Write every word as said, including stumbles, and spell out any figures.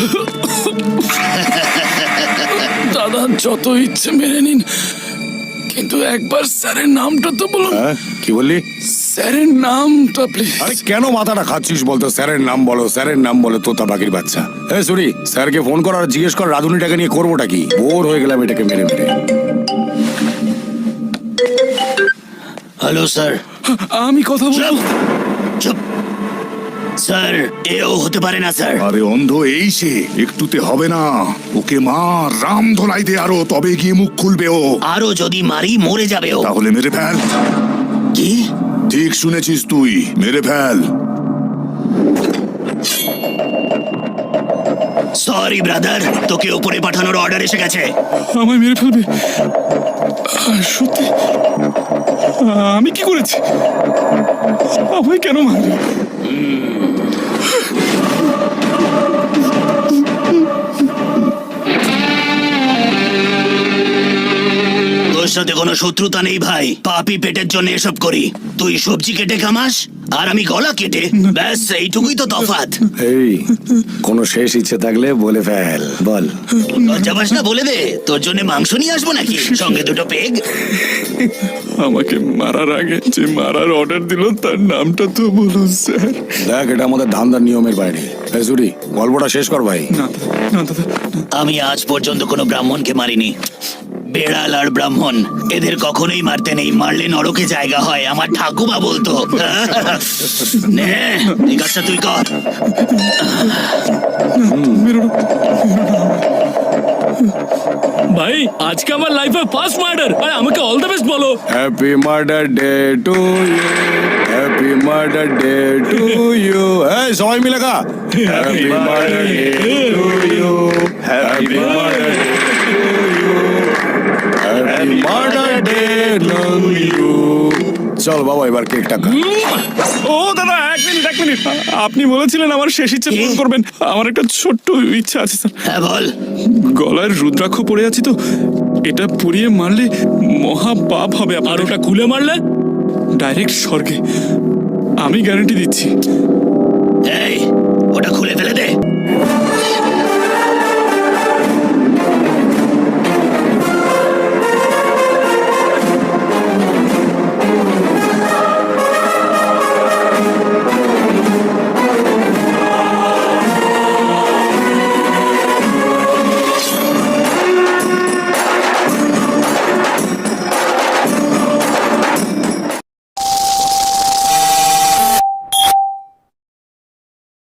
দাদা যত ইচ্ছে মেনে নিন, কিন্তু একবার স্যারের নামটা তো বলুন। হ্যাঁ, কি বললি? স্যারের নামটা প্লিজ। আরে কেন মাথাটা খাচ্ছিস বলতো? স্যারের নাম বলো, স্যারের নাম বলো, তোতা পাখির বাচ্চা। এ সরি, স্যারকে ফোন কর আর জিজ্ঞেস কর রাধুনিটাকে নিয়ে করবোটা কি। বোর হয়ে গেলাম এটাকে মেরে মেরে। Hello sir. আমি কথা বলবো। চুপ স্যার, এও হতে পারে না স্যার। আরে অন্ধ এই সে, একটুতে হবে না। ওকে মার, রাম ধলাই দে আরো, তবে গিয়ে মুখ খুলবে ও। আরো যদি মারি মরে যাবে ও। তাহলে মেরে ফেল। কি? ঠিক শুনেছিস তুই, মেরে ফেল। সরি ব্রাদার, তোকে উপরে পাঠানোর অর্ডার এসে গেছে। আমায় মেরে ফেলবে? আহ, সত্যি? আহ, আমি কি করেছি? আমায় কেন মারবে? তোর সাথে কোনো শত্রুতা নেই ভাই, পাপি পেটের জন্য এসব করি। তুই সবজি কেটে কামাস আর আমি গলা কেটে, ব্যাস এইটুকুই তো তফাৎ। এই, কোনো শেষ ইচ্ছে থাকলে বলে ফেল, বল। লজ্জা পাস না? বলে দে, তোর জন্য মাংস নিয়ে আসবো নাকি সঙ্গে দুটো পেগ? আমাকে মারার আগে যে মারার অর্ডার দিল তার নামটা তো বলুন স্যার। দেখ, এটা আমাদের ধান্দার নিয়মের বাইরে। এই সরি, গল্পটা শেষ কর ভাই। না না দাদা, আমি আজ পর্যন্ত কোনো ব্রাহ্মণকে মারিনি। বেড়াল আর ব্রাহ্মণ এদের কখনোই মারতে নেই, মারলে নরকে জায়গা হয়, আমার ঠাকুমা বলতো। নে এই কাজটা তুই কর। ভাই আজকে আমার লাইফে ফার্স্ট মার্ডার, আর আমাকে অল দ্য বেস্ট বলো। Happy murder day to you, happy murder day to you. এই সবাই মিলে গা, happy murder day to you, happy murder day to you, happy murder day to you. চল বাবা, এবার কেকটা খা। ও দাদা, এক মিনিট এক মিনিট আপনি বলেছিলেন আমার শেষ ইচ্ছে পূরণ করবেন। আমার একটা ছোট্ট ইচ্ছা আছে স্যার। হ্যাঁ বল। গলায় রুদ্রাক্ষ পড়ে আছে তো, এটা পুড়িয়ে মারলে মহা পাপ হবে। আর ওটা খুলে মারলে ডাইরেক্ট স্বর্গে, আমি গ্যারান্টি দিচ্ছি। এই ওটা খুলে ফেলে দে।